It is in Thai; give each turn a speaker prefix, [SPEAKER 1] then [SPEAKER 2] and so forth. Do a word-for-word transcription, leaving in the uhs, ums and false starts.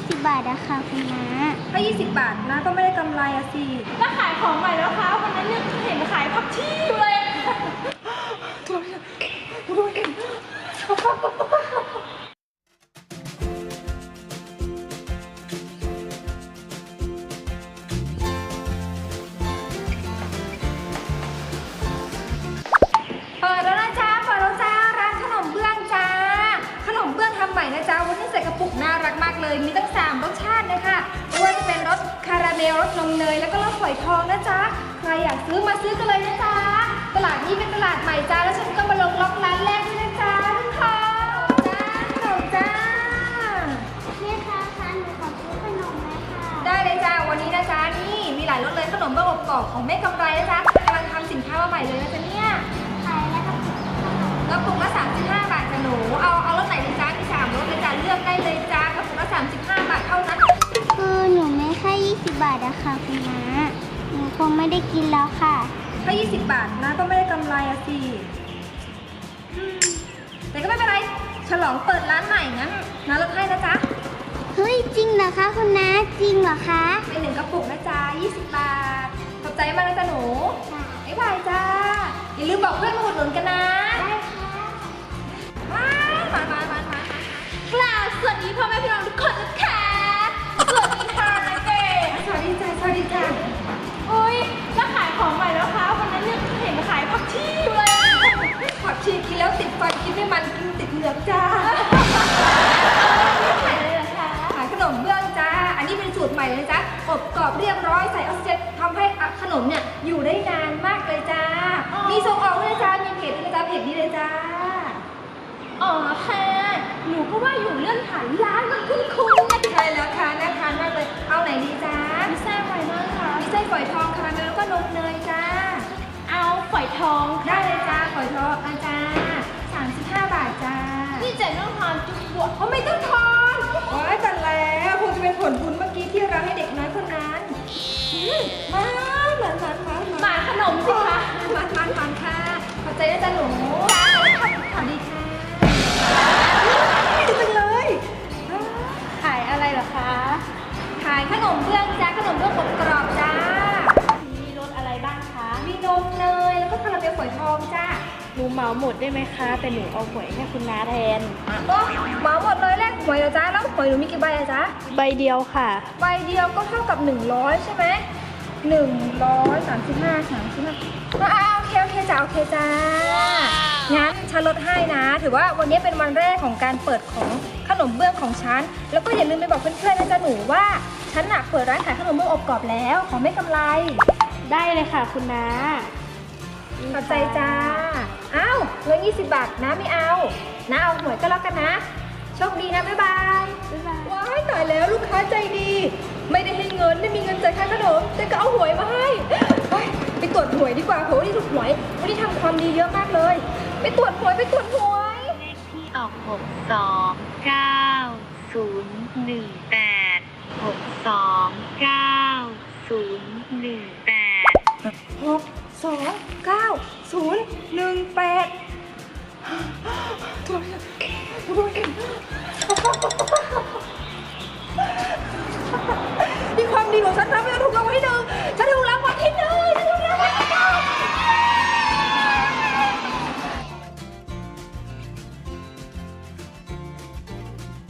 [SPEAKER 1] สิบบาทอะค่ะคุณน้า
[SPEAKER 2] ถ้ายี่สิบบาทนะก็ไม่ได้กำไรอะสิ
[SPEAKER 3] แล้วขายของใหม่แล้วคะวันนั้นเนี่ยเห็นขายผักชีอยู่เลย
[SPEAKER 2] เปิดแล้วนะจ๊ะเปิดแล้วจ้าร้านขนมเบื้องจ้าขนมเบื้องทำใหม่นะจ๊ะวันนี้ใส่กระปุกน่ารักมากเลยมีตั้งสามรสชาติเลยค่ะไม่ว่าจะเป็นรสคาราเมลรสนมเนยแล้วก็รสฝอยทองนะจ๊ะใครอยากซื้อมาซื้อกันเลยนะจ๊ะตลาดนี้เป็นตลาดใหม่จ้าแล้วฉันก็มาลงล็อกร้านแรกด้วยนะจ๊ะทุกคนจ้าขนมจ้า
[SPEAKER 1] แม่ค้าคะหนูขอซื้อขนมไหมค่ะ
[SPEAKER 2] ได้เลยจ้าวันนี้นะจ๊ะนี่มีหลายรสเลยขนมเบื้องอบกรอบของแม่กำไรนะจ๊ะกำลังทำสินค้ามาใหม่เลยนะจ๊ะเนี่ย
[SPEAKER 1] ขายแล้วก็ขนม
[SPEAKER 2] กระปุกละสามสิบห้าบาทจ้ะหนูเอาเอารสไหนดีจ้ามีสามรสเลยจ้าเลือกได้เลยจ้ากระปุกละสามสิบห้าบาทเท่านั้น
[SPEAKER 1] คือหนูไม่แค่ยี่สิบบาทอะค่ะคุณน้าหนูคงไม่ได้กินแล้วค่ะ
[SPEAKER 2] ถ้ายี่สิบบาทนะก็ไม่ได้กำไรอะสิอืมแต่ก็ไม่เป็นไรฉลองเปิดร้านใหม่งั้นนะลดให้นะจ๊ะ
[SPEAKER 1] เฮ้ยจริงเหรอคะคุณน้าจริงเหรอคะ
[SPEAKER 2] เป็นหนึ่งกระปุกนะจ๊ะยี่สิบบาทขอบใจมากนะจ๊ะหนูบ๊ายบายจ้าอย่าลืมบอกเพื่อนมาอุดหนุนกันนะ
[SPEAKER 1] ได้ค่ะ
[SPEAKER 2] มามามามามา
[SPEAKER 3] กล่าวสวัสดีพ่อแม่พี่น้องทุกคนนะคะสวัสดีค่ะนะเก๋
[SPEAKER 2] สวัสดีจ้าสวัสดีจ้า
[SPEAKER 3] โอ้ยแล้วขายของใหม่แล้วคะวันนั้นเนี่ยเห็นขายผักชีอยู่เลย
[SPEAKER 2] ผักชีกินแล้วติดฟันกินไม่มันกินติดเหงือกจ้า
[SPEAKER 3] ขายอะไรเหรอคะ
[SPEAKER 2] ขายขนมเบื้องจ้า อันนี้เป็นสูตรใหม่เลยนะจ๊ะอบกรอบเรียบร้อยใส่ออกซิเจนทำให้ขนมเนี่ยอยู่ได้นานมากเลยจ้า มีส่งออกด้วยนะจ้า มีเพจด้วยนะจ้าเพจนี้เลยจ้า
[SPEAKER 3] อ๋อค่ะหนูก็ว่าอยู่เรื่องขายร้านมันคุ้นๆนะ
[SPEAKER 2] ใช่แล้วค่ะน่าทานมากเลย เอาไหนดีจ้า
[SPEAKER 3] มีแซ่บไว้มากค่ะ
[SPEAKER 2] มีไส้ฝอยทองคาราเมลแล้วก็นมเนยจ้า
[SPEAKER 3] เอาฝอยทอง
[SPEAKER 2] ได้เลยจ้าฝอยทองอาจารย์สามสิบห้าบาทจ้า
[SPEAKER 3] นี่เจ๋งต้องทานจุ๊บว
[SPEAKER 2] เขาไม่ต้องทอนว้ายแต่แล้วคงจะเป็นผลบุญเมื่อกี้ที่เราให้เด็กน้อยคนนั้นอืมมาเหมือนมันมา
[SPEAKER 3] หมาขนมสิคะ
[SPEAKER 2] มันมันมันค่ะขอบใจนะจ๊ะหนูสวัสดีค่ะดีจังเลย
[SPEAKER 3] ขายอะไรเหรอคะ
[SPEAKER 2] ขายขนมเบื้องจ้าขนมเบื้องอบกรอบจ้า
[SPEAKER 3] มีรสอะไรบ้างคะ
[SPEAKER 2] มีนมเนยแล้วก็คาราเมลฝอยทองจ้า
[SPEAKER 3] หนูเหมาหมดได้ไหมคะ แต่หนูเอาหวยให้คุณน้าแทน
[SPEAKER 2] โอ้เหมาหมดเลยแลกหวยเหรอจ้าแล้วหวยหนูมีกี่ใบอะจ๊ะ
[SPEAKER 3] ใบเดียวค่ะ
[SPEAKER 2] ใบเดียวก็เท่ากับหนึ่งร้อยใช่ไหมหนึ่งร้อยสามสิบห้าสามสิบห้าอ่าโอเคโอเคจ้าโอเคจ้างั้นฉันลดให้นะ ถือว่าวันนี้เป็นวันแรกของการเปิดของขนมเบื้องของฉันแล้วก็อย่าลืมไปบอกเพื่อนๆนะจ๊ะหนูว่าฉันน่ะเปิดร้านขายขนมเบื้องอบกรอบแล้วของไม่กำไร
[SPEAKER 3] ได้เลยค่ะคุณน้า
[SPEAKER 2] ขอบใจจ้าอ้าวเงินยี่สิบบาทนะไม่เอานะเอาหวยก็แล้วกันนะโชคดีนะบ๊ายบาย
[SPEAKER 3] บ๊ายบาย
[SPEAKER 2] ว้ายตายแล้วลูกค้าใจดี ไม่ได้ให้เงินไม่มีเงินจ่ายค่าขนมแต่ก็เอาหวยมาให้เฮ้ยไปตรวจหวยดีกว่าโหนี่ถูกหวยวันนี้ทำความดีเยอะมากเลย ไปตรวจหวยไปตรวจหวย
[SPEAKER 4] เลขที่ออกหกสองเก้าศูนย์หนึ่งแปดหกสองเก้าศูนย์หนึ่งแปด
[SPEAKER 2] หกสองเก้าศูนย์หนึ่งแปดถูกถูก